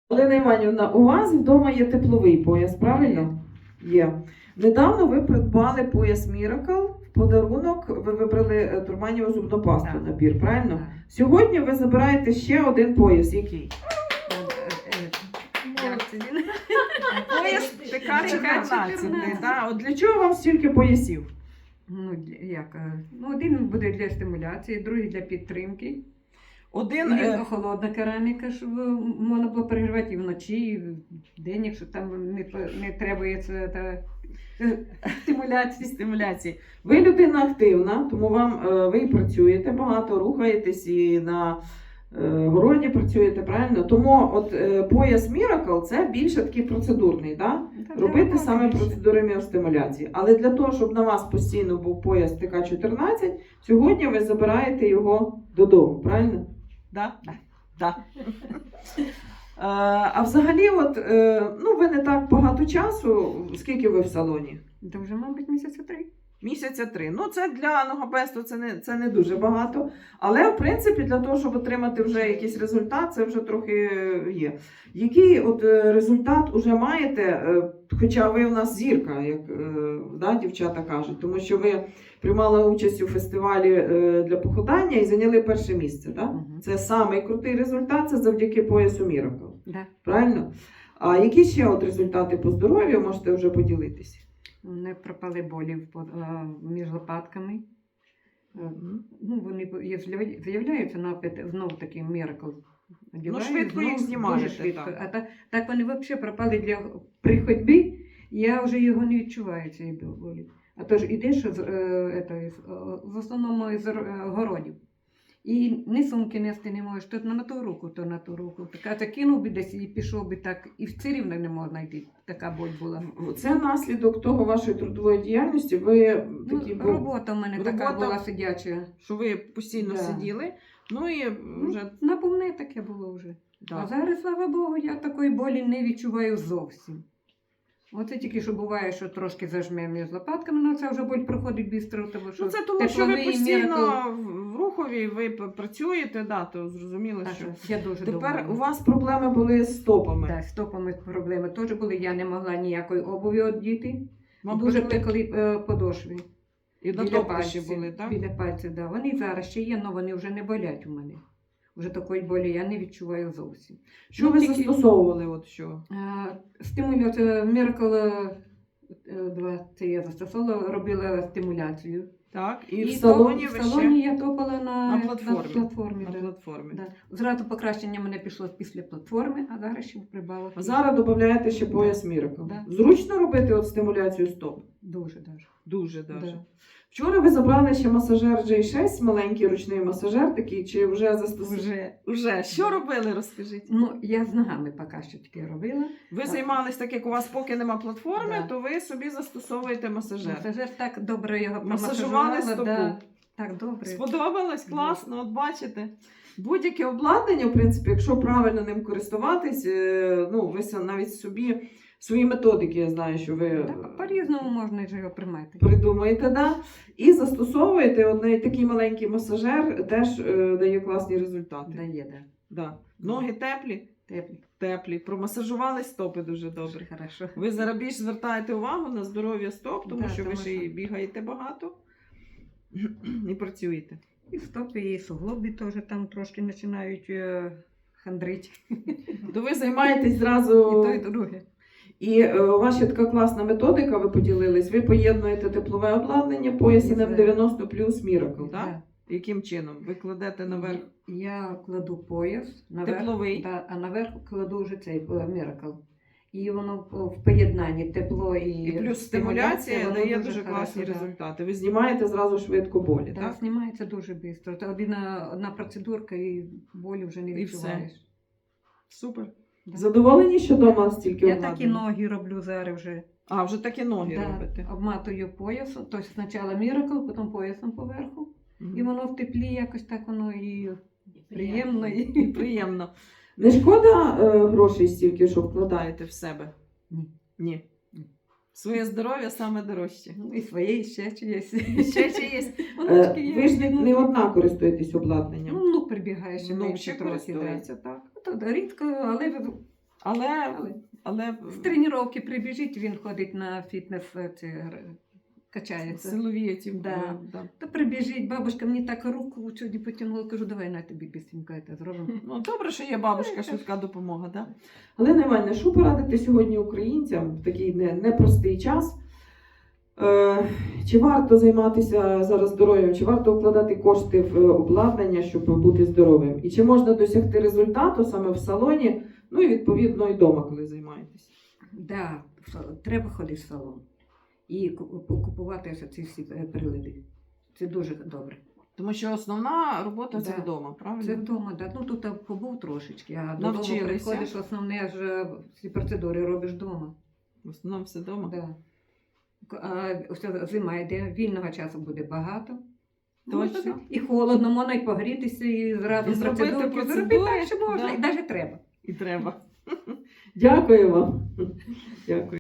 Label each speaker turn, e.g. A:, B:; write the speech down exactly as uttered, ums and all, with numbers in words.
A: Олена Іванівна, у вас вдома є тепловий пояс, правильно? Є. Недавно ви придбали пояс Miracle, в подарунок ви вибрали турманіву зубну пасту
B: Так.
A: набір, правильно?
B: Так.
A: Сьогодні ви забираєте ще один пояс. Який? Пояс ТК чотирнадцять. Да? От для чого вам стільки поясів?
B: Ну, для- як? е, Ну, один буде для стимуляції, другий для підтримки.
A: Один,
B: І
A: е,
B: холодна кераміка, щоб можна було перегрівати і вночі, і вдень, якщо там не, по- не требується та, е, стимуляції.
A: стимуляції. Ви людина активна, тому вам е, ви і працюєте багато, рухаєтесь і на е, городі працюєте, правильно? Тому от е, пояс Miracle це більше такий процедурний, да?
B: Та для
A: Робити
B: роботи
A: саме
B: більше.
A: процедури міостимуляції. Але для того, щоб на вас постійно був пояс ТК чотирнадцять, сьогодні ви забираєте його додому, правильно? Да?
B: Да.
A: Да. Е, А взагалі, от, е, ну, ви не так багато часу, скільки ви в салоні?
B: Та вже, мабуть, місяця три.
A: Місяця три. Ну, це для ногопесту це не, це не дуже багато. Але, в принципі, для того, щоб отримати вже якийсь результат, це вже трохи є. Який от е, результат уже маєте, е, хоча ви в нас зірка, як е, да, дівчата кажуть, тому що ви приймали участь у фестивалі е, для похудання і зайняли перше місце. Да?
B: Мгм.
A: Це самий крутий результат, це завдяки поясу Miracle.
B: Да.
A: Правильно? А які ще от результати по здоров'ю можете вже поділитися?
B: Не пропали болі в под- а, між лопатками. Е, Ну, вони по- є- з'яв- з'являються напит, знов таки Miracle. Одягаю,
A: швидко їх
B: знов
A: знімаєте,
B: дуже швидко.
A: так.
B: А так, так вони взагалі пропали для при ходьбі, я вже його не відчуваю, цієї болі. А то ж ідеш з, е, ето, з, е, в основному із е, городів. І ні сумки нести не можеш, то на ту руку, то на ту руку. Така це кинув би десь і пішов би так, і все рівно не можна йти. Така боль була.
A: Це наслідок того вашої трудової діяльності. Ви
B: Ну,
A: такі, бу-
B: робота в мене така
A: робота-
B: була сидяча.
A: що ви постійно
B: Да.
A: сиділи. Ну і
B: Ну,
A: вже
B: Наповне таке було вже.
A: да.
B: А зараз, слава Богу, я такої болі не відчуваю зовсім. Оце тільки що буває, що трошки зажме між лопатками, але це вже боль проходить швидко, тому що
A: Ну, це тому, що ви
B: тепловий
A: постійно
B: Miracle.
A: в рухові, ви п- працюєте, да, то зрозуміло,
B: Так,
A: що
B: я дуже
A: тепер
B: довольна.
A: у вас проблеми були з стопами.
B: Да, з стопами проблеми теж були. Я не могла ніякої обуві одіти.
A: Вам
B: Дуже
A: пекли-
B: пекли е, подошви.
A: і на
B: Біля
A: топи ще
B: пальців,
A: були, так?
B: Біля пальців, да. Вони зараз ще є, але вони вже не болять у мене. Вже такої болі я не відчуваю зовсім.
A: Що
B: Ну,
A: ви
B: тільки-
A: застосовували? От що?
B: Стимуляція Miracle два, це я застосовувала, робила стимуляцію.
A: Так, і, в
B: топ-
A: салоні
B: в
A: ви
B: салоні
A: ще
B: я топала на,
A: на платформі.
B: На платформі,
A: на
B: да.
A: платформі.
B: Да. Зразу покращення мене пішло після платформи, а зараз ще прибавила.
A: А зараз додаєте ще пояс Miracle.
B: Да.
A: Зручно робити от стимуляцію стоп?
B: Дуже даже.
A: Дуже даже.
B: Да.
A: Вчора ви забрали ще масажер джей шість, маленький ручний масажер такий, чи вже застосували?
B: Вже.
A: Вже. Що робили, розкажіть?
B: Ну, я з ногами поки що таке робила.
A: Ви
B: Так.
A: займались так, як у вас поки нема платформи,
B: Да.
A: то ви собі застосовуєте масажер.
B: Масажер так добре його
A: Масажували
B: промасажувала,
A: стопу.
B: Да. Так добре.
A: Сподобалось? Класно, от бачите. Будь-яке обладнання, в принципі, якщо правильно ним користуватись, е, ну, ви са- навіть собі свої методики, я знаю, що ви
B: Да, по- по-різному можна ж його приймати.
A: придумаєте, да? І застосовуєте от навіть такий маленький масажер, теж е, дає класні результати.
B: Дає, да.
A: Да. Ноги теплі,
B: Теплі.
A: теплі, промасажували стопи дуже добре.
B: Дуже хорошо.
A: Ви зараз більш звертаєте увагу на здоров'я стоп, тому
B: Да,
A: що ви
B: тому
A: ще й
B: що-
A: бігаєте багато і працюєте.
B: І стопи, і суглоби теж там трошки починають е, хандрити.
A: То ви займаєтесь
B: І
A: зразу.
B: то, і друге.
A: І е, у вас ще така класна методика, ви поділились. Ви поєднуєте теплове обладнання, пояс ен ем дев'яносто плюс Miracle, так?
B: Да.
A: Яким чином? Ви кладете наверх
B: Я кладу пояс, наверх,
A: тепловий.
B: да, а наверх кладу вже цей е, Miracle. І воно в- в поєднанні тепло і,
A: І плюс стимуляція
B: воно
A: дає дуже
B: хорошо,
A: класні
B: да.
A: результати. Ви знімаєте зразу швидко болі,
B: Так,
A: так?
B: знімається дуже швидко. Це одна, одна процедурка і болі вже не
A: І все.
B: відчуваєш.
A: Супер.
B: Да.
A: Задоволені, що вдома стільки
B: Я
A: обладнання?
B: такі ноги роблю зараз вже.
A: А, вже такі ноги
B: Да,
A: робите.
B: обматую поясом, тобто спочатку Miracle, потім поясом поверху.
A: Мгм.
B: І воно в теплі якось так воно і приємно. І...
A: І приємно. Не шкода е, грошей стільки, що вкладаєте в себе?
B: Ні.
A: Ні.
B: Ні.
A: Своє здоров'я саме дорожче.
B: Ну, і своє, і ще чиєсь.
A: Ще чи є?
B: Онучки
A: Е,
B: є.
A: Ви ж не, не одна користуєтесь обладнанням.
B: Ну, внук прибігає ще
A: Внук
B: менше
A: ще
B: трохи. Да.
A: користується, так.
B: То рідко, але
A: Але,
B: Але
A: але
B: з тренування прибіжить, він ходить на фітнес, е, ці, р- качається.
A: силові ці
B: Да.
A: е, да.
B: Та прибіжить, бабушка мені так руку сьогодні потягнула, кажу, давай на тобі бісенько це зробимо.
A: Ну, добре, що є бабушка, швидка допомога, да? Галина Іванівна, що порадити сьогодні українцям в такий не- непростий час? Е, чи варто займатися зараз здоров'ям, чи варто вкладати кошти в е, обладнання, щоб бути здоровим? І чи можна досягти результату саме в салоні, ну і відповідно і вдома, коли займаєтесь?
B: Да, в са- треба ходити в салон і ку- купувати ось ці всі е, прилади. Це дуже добре.
A: Тому що основна робота це
B: Да.
A: вдома, правильно?
B: Це вдома, да. Ну тут побув трошечки, а додому
A: Навчилися.
B: приходиш, основне ж е, ці процедури робиш вдома.
A: В основному все вдома.
B: Да. К- А ось зима йде, вільного часу буде багато.
A: Точно.
B: Можна І холодно, можна і погрітися, і зразу
A: І зробити
B: процедурки
A: процедури,
B: зробити так, що можна,
A: да.
B: і навіть треба.
A: І треба. Дякую вам. Дякую.